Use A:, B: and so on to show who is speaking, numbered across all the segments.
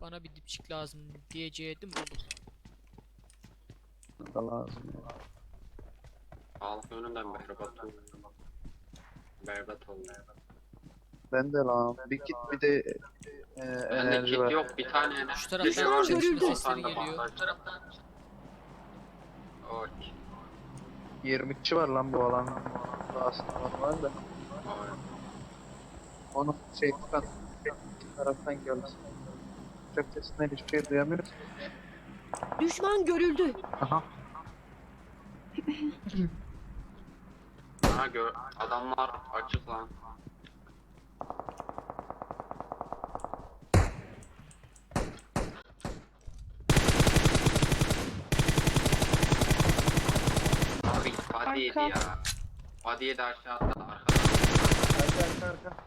A: Bana bir dipçik lazım diyecektim, buldum.
B: Da lazım ya.
C: Halk önünden berbat oldu. Berbat oldu.
B: Ben de lan. Bir kit bir de
C: Bende
B: enerji
C: kit
B: var.
C: yok, bir tane
A: Şu
C: enerji
A: taraftan
C: var.
A: çatışma
C: 10
A: sesleri
C: tane
A: geliyor.
C: bandaj. Oy.
B: 20 kişi var lan bu alan. Aslında var da.
C: Oy.
B: Onu şey tutan taraftan geldi. Uçak sesinden hiçbir şey duyamıyoruz.
D: Düşman görüldü.
B: Aha.
C: Ha adamlar açık lan. Abi body yedi ya. Body yedi aşağıda arkadan.
B: Arka.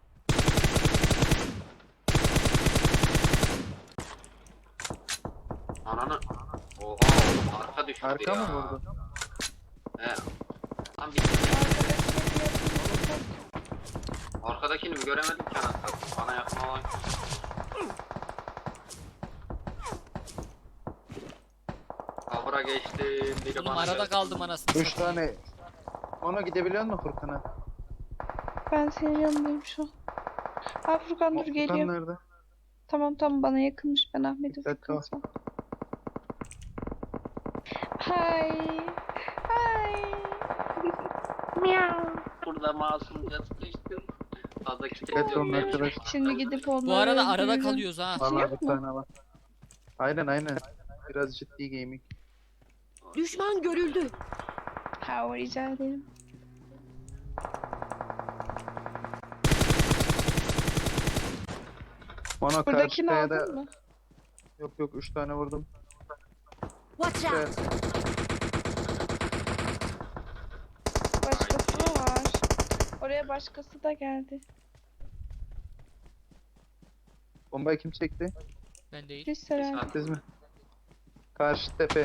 C: Ananı. Oha oğlum arka düştü
B: Arka
C: ya.
B: mı vurdu?
C: He. Lan bir arkadakini mi göremedim ki anasını. Bana yakın olan. Kavra geçti. Biri
A: Oğlum
C: bana
A: arada
C: geldi.
A: kaldım anasını
B: 3
A: satayım.
B: tane. Ona gidebiliyor musun Furkan'a?
E: Ben senin yanındayım şu an. Ha Furkan dur
B: Furkan
E: geliyor.
B: nerede?
E: Tamam bana yakınmış, ben Ahmet'im
B: Dikkatli
E: Furkan
B: ol.
E: sen. Hay. Miau.
C: Burada masumca sıkıştım. Fazla kitap
B: Dikkatli
C: yok
B: olun
C: benim.
B: arkadaşlar.
E: Şimdi gidip onları
A: Bu arada arada
E: öldürürüm.
A: kalıyoruz ha.
B: Vallahi
E: yok
B: bir
E: mu?
B: tane var. Aynen. Biraz ciddi gaming.
D: Düşman görüldü.
E: Ha rica ederim.
B: Ona
E: Buradakini
B: karşı da
E: aldın mı?
B: yok 3 tane vurdum.
D: Watch
B: Şey,
D: out.
E: Başkası da var. Oraya başkası da geldi.
B: bombayı kim çekti?
A: Ben değil.
E: Biz herhalde.
B: Siz mi? Karşı tepe.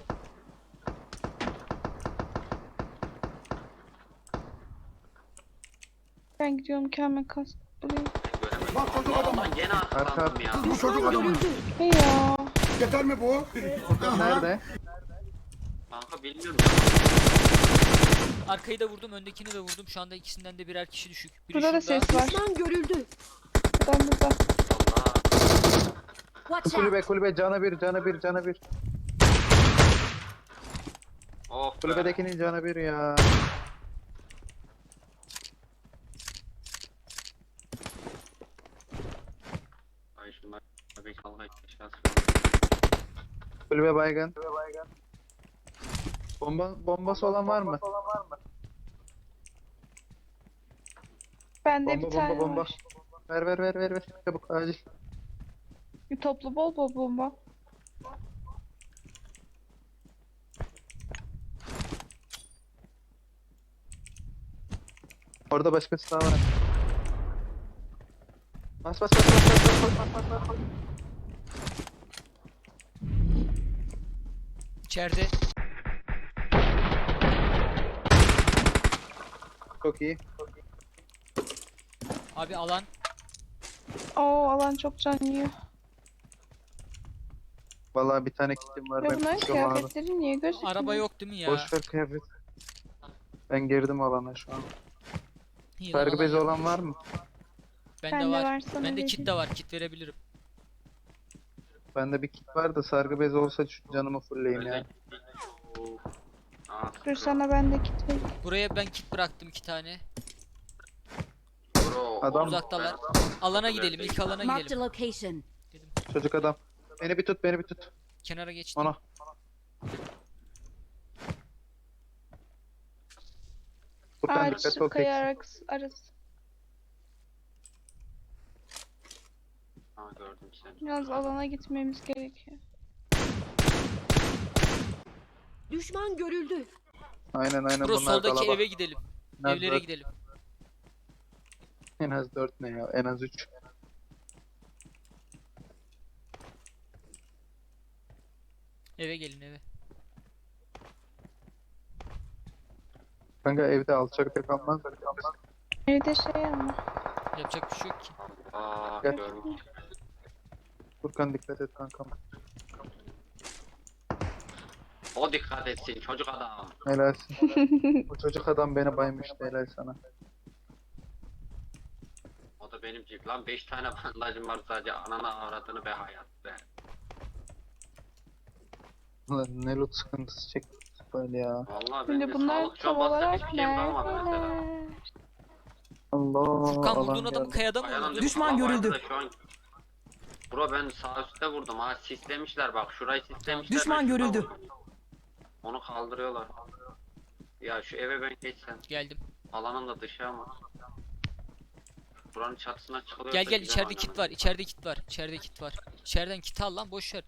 E: Ben gidiyorum kendime kask bulayım.
C: Göremedim. Allah'tan gene arkalandım ya.
D: Düşman görüldü.
E: Hey ya.
F: Yeter mi bu?
B: Nerede?
C: Kanka bilmiyorum.
A: Arkayı da vurdum, öndekini de vurdum. Şu anda ikisinden de birer kişi düşük. Biri
E: Burada da
A: şurada.
E: ses var.
D: Düşman görüldü.
E: Burada.
C: Allah.
D: Watch out.
B: Kulübe canı bir.
C: Oh be.
B: Kulübedekinin canı bir ya.
C: Ay şunlar bir kavga etmişler.
B: Kulübe baygın. Bombası olan var mı?
E: Bende bir tane
B: Bomba.
E: var.
B: Ver. Çabuk acil.
E: Bir toplu bol bomba.
B: Orada başkası daha var. Bas.
A: İçeride.
B: Çok iyi.
A: Abi alan.
E: Oo alan çok can yiyor.
B: Vallahi bir tane kitim var.
E: Ya
B: Ben
E: bunların
B: tutuyorum abi.
E: kıyafetleri niye gözükmüyor?
A: Araba yok değil mi ya?
B: Boş ver kıyafet. Ben girdim alana şu an.
A: İyi lan,
B: Sargı
A: alan
B: bezi
A: yok.
B: olan var mı?
A: Bende
E: Bende
A: var.
E: var, sana
A: Bende kit
E: vereyim.
A: de var. Kit verebilirim.
B: Bende bir kit var da sargı bezi olsa şu canımı fullleyeyim ya.
E: Dur sana ben de kit vereyim.
A: Buraya ben kit bıraktım 2 tane.
B: Adam-
A: Uzaktalar. Alana gidelim. İlk alana
D: Marked a
A: gidelim.
D: location.
B: Çocuk adam. Beni bir tut.
A: Kenara geçtim.
B: Ona. Furkan
E: Ağaç
B: dikkatli ol
E: kaya
B: tek.
E: arası.
C: Ha gördüm seni.
E: Biraz alana gitmemiz gerekiyor.
D: Düşman görüldü.
B: Aynen
A: Bro
B: bunlar
A: soldaki
B: kalabalık.
A: eve gidelim.
B: En az
A: Evlere
B: dört-
A: gidelim.
B: En az 4 ne ya? En az 3.
A: Eve gelin eve.
B: Kanka evde alçakta kalmaz.
E: Evde şey ama.
A: Yapacak bir şey yok ki.
C: Aa
B: Gel.
C: görmüş.
B: Furkan dikkat et kankam.
C: O dikkat etsin çocuk adam.
B: Helalsin. Bu çocuk adam beni baymıştı, helal sana.
C: O da benim gibi. Lan 5 tane bandajım var sadece. Anana avradını be hayat be.
B: Ulan ne loot sıkıntısı çektik böyle ya.
C: Vallahi
E: Şimdi
C: bende
E: bunlar
C: sağlık
E: tam
C: şu an basacak
E: olarak
C: hiçbir şeyim kalmadı mesela.
E: neredeler?
B: Allah
A: Furkan
B: alan
A: vurduğun adamı
B: geldi.
A: kayada mı
C: Ayağım
A: vurdun?
F: Düşman görüldü.
C: Şu an... Bro ben sağ üstte vurdum ha, sislemişler bak, şurayı sislemişler.
F: Düşman
C: ben şurada
F: görüldü.
C: vurdum. Onu kaldırıyorlar. Ya şu eve ben geçsem.
A: Geldim.
C: Alanın da dışı ama. Buranın çatısına çıkılıyor.
A: Gel gel, içeride kit var. İçeride kit var. İçeride kit var. İçeriden kit al lan, boş ver.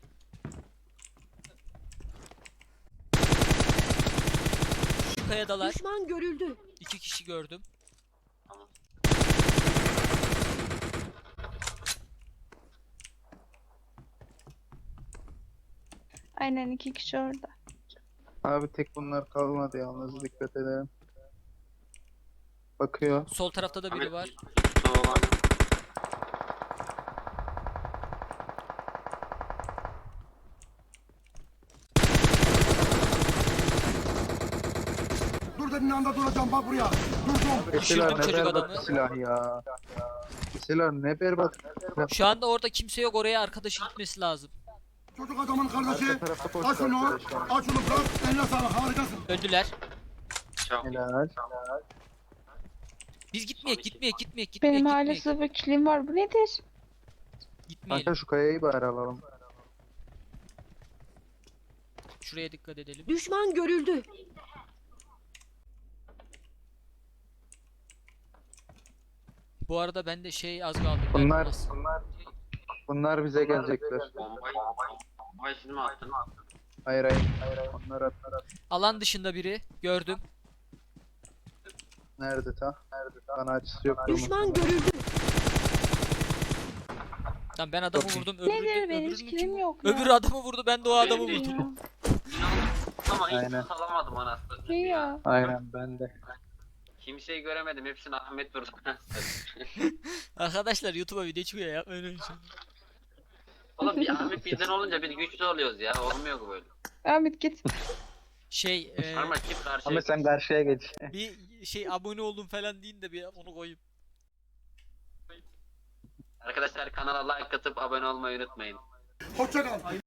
A: Şu kayadalar.
D: Düşman görüldü.
A: 2 kişi gördüm.
E: Aynen 2 kişi orada.
B: Abi tek bunlar kalmadı yalnız, dikkat edelim. Bakıyor.
A: Sol tarafta da biri var.
F: Dur dediğin anda duracağım, bak buraya. Durdum.
A: Düşürdüm
B: Silah ne
A: çocuk
B: berbat
A: adamı.
B: silah ya. Silah ne berbat.
A: Şu anda orada kimse yok, oraya arkadaşı gitmesi lazım.
F: Çocuk adamın kardeşi.
B: Arka tarafta
F: Aç
B: koştu
F: şunu.
B: arkadaşlar.
F: Aç şunu bırak. Eline sağlık, harikasın.
A: Öldüler.
C: Çok
B: Helal.
A: Biz gitmeyek, gitmeyek.
E: Benim hala sıfır kilim var. Bu nedir?
A: Gitmeyelim.
B: Kanka şu kayayı bari alalım.
A: Şuraya dikkat edelim.
D: Düşman görüldü.
A: Bu arada bende şey az kaldı.
B: Bunlar
A: az.
B: bunlar bize gelecekler.
C: bombayı siz mi attın?
B: Hayır hayır. Onlar at.
A: Alan dışında biri gördüm.
B: Nerede ta? Nerede ta? Bana açısı yok.
D: Düşman görüldü.
A: Tamam, ben adamı vurdum.
E: Nedir benim
A: öbürünün
E: hiç
A: kim?
E: kilim yok ya.
A: Öbürü adamı vurdu, ben de o adamı
C: Benim de
A: vurdum.
E: Ya.
C: Ama hiç
B: Aynen.
C: salamadım anasını.
E: İyi ya.
B: Aynen ben de.
C: Kimseyi göremedim, hepsini Ahmet vurdu.
A: Arkadaşlar YouTube'a video çıkıyor ya, öyle bir şey.
C: Oğlum bir Ahmet bizden olunca biz güçlü oluyoruz ya, olmuyor bu böyle.
E: Ahmet git.
A: Şey
C: Ama kim karşıya
B: Ama sen karşıya geç.
A: bir şey abone oldum falan deyin de bir onu koyayım.
C: Arkadaşlar kanala like atıp abone olmayı unutmayın.
F: Hoşça kal.